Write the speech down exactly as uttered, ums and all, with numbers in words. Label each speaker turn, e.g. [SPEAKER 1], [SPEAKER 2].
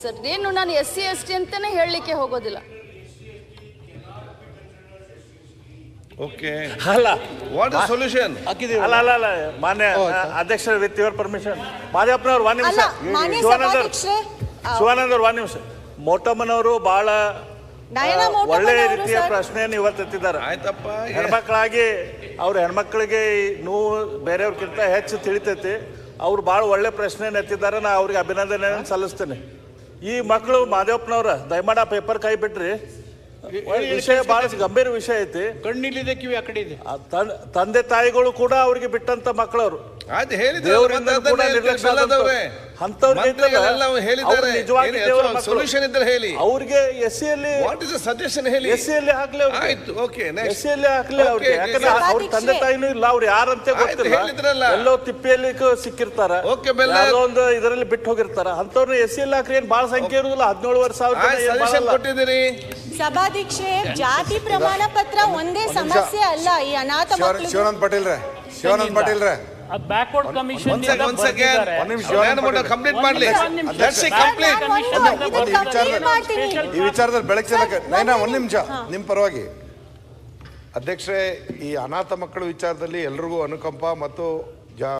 [SPEAKER 1] Sir ಏನು ನಾನು S C S T ಅಂತಾನೆ ಹೇಳಲಿಕ್ಕೆ ಹೋಗೋದಿಲ್ಲ.
[SPEAKER 2] ಓಕೆ
[SPEAKER 3] ಅಲ್ಲ
[SPEAKER 2] ವಾಟ್ ಇಸ್ ಸೊಲ್ಯೂಷನ್
[SPEAKER 3] ಅಲ್ಲ ಅಲ್ಲ ಅಲ್ಲ ಮಾನ್ಯ ಅಧ್ಯಕ್ಷರ ವಿತ್ ಯುವರ್ ಪರ್ಮಿಷನ್ ಮಾದೇವಪ್ಪನವ್ರು ಒಂದು ನಿಮಿಷ ಶಿವಾನಂದ್ ಅವ್ರು ಒಂದು ನಿಮಿಷ ಮೋಟಮ್ಮನವರು ಬಹಳ ಒಳ್ಳೆ ರೀತಿಯ ಪ್ರಶ್ನೆಯನ್ನು ಇವತ್ತು ಎತ್ತಿದ್ದಾರೆ.
[SPEAKER 2] ಆಯ್ತಪ್ಪ,
[SPEAKER 3] ಹೆಣ್ಮಕ್ಳಾಗಿ ಅವ್ರ ಹೆಣ್ಮಕ್ಳಿಗೆ ನೋವು ಬೇರೆಯವ್ರಕ್ಕಿಂತ ಹೆಚ್ಚು ತಿಳಿತೈತಿ. ಅವ್ರು ಭಾಳ ಒಳ್ಳೆ ಪ್ರಶ್ನೆಯನ್ನು ಎತ್ತಿದ್ದಾರೆ. ನಾ ಅವ್ರಿಗೆ ಅಭಿನಂದನೆ ಸಲ್ಲಿಸ್ತೇನೆ. ಈ ಮಕ್ಕಳು ಮಾದೇವಪ್ಪನವ್ರ ದಯಮಾಡಿ ಆ ಪೇಪರ್ ಕೈ ಬಿಟ್ರಿ. ವಿಷಯ ಬಹಳ ಗಂಭೀರ ವಿಷಯ ಐತಿ.
[SPEAKER 4] ಕಣ್ಣಿಲ್ಲಿದೆ ಕಿವಿ ಆ ಕಡೆ ಇದೆ.
[SPEAKER 3] ತಂದೆ ತಾಯಿಗಳು ಕೂಡ ಅವ್ರಿಗೆ ಬಿಟ್ಟಂತ ಮಕ್ಕಳವ್ರು
[SPEAKER 2] ಸೊಲ್ಯೂಷನ್ ಇದ್ರೆ ಹೇಳಿ.
[SPEAKER 3] ಅವ್ರಿಗೆ ಎಸ್ ಸಿ ಅಲ್ಲಿ
[SPEAKER 2] ಸಜೆಷನ್ ಹೇಳಿ.
[SPEAKER 3] ಎಸ್ ಸಿ ಅಲ್ಲಿ ಹಾಕ್ಲಿ, ಎಸ್ ಸಿ ಅಲ್ಲಿ ಹಾಕ್ಲಿ ಅವ್ರಿಗೆ. ಯಾಕಂದ್ರೆ ಅವ್ರ ತಂದೆ ತಾಯಿನೂ ಇಲ್ಲ, ಅವ್ರು ಯಾರಂತ ಗೊತ್ತಿಲ್ಲ. ಎಲ್ಲೋ ತಿಪ್ಪಿಯಲ್ಲಿ ಸಿಕ್ಕಿರ್ತಾರ, ಒಂದು ಇದರಲ್ಲಿ ಬಿಟ್ಟು ಹೋಗಿರ್ತಾರ. ಅಂತವ್ರನ್ನ ಎಸ್ ಸಿ ಅಲ್ಲಿ ಹಾಕ್ರಿ. ಏನ್ ಬಹಳ ಸಂಖ್ಯೆ ಇರುದಿಲ್ಲ, ಹದಿನೇಳುವರೆ ಸಾವಿರ
[SPEAKER 2] ಕೊಟ್ಟಿದ್ದೀರಿ.
[SPEAKER 5] ಸಭಾಧ್ಯಕ್ಷೆ, ಜಾತಿ ಪ್ರಮಾಣ ಪತ್ರ ಒಂದೇ ಸಮಸ್ಯೆ ಅಲ್ಲ. ಈ ಅನಾಥ ಮಕ್ಕಳು.
[SPEAKER 6] ಶಿವಾನಂದ್ ಪಾಟೀಲ್ ರೇ ಶಿವಾನಂದ್ ಪಾಟೀಲ್ ರೇ
[SPEAKER 4] ಬ್ಯಾಕ್ವರ್ಡ್ ಕಮಿಷನ್
[SPEAKER 2] ಕಂಪ್ಲೀಟ್ ಮಾಡಲಿ.
[SPEAKER 6] ಈ ವಿಚಾರದಲ್ಲಿ ಬೆಳಕು ಚೆಲ್ಲಕ್ಕೆ ನೈನಾ ಒಂದ್ ನಿಮಿಷ ನಿಮ್ ಪರವಾಗಿ. ಅಧ್ಯಕ್ಷರೇ, ಈ ಅನಾಥ ಮಕ್ಕಳ ವಿಚಾರದಲ್ಲಿ ಎಲ್ರಿಗೂ ಅನುಕಂಪ ಮತ್ತು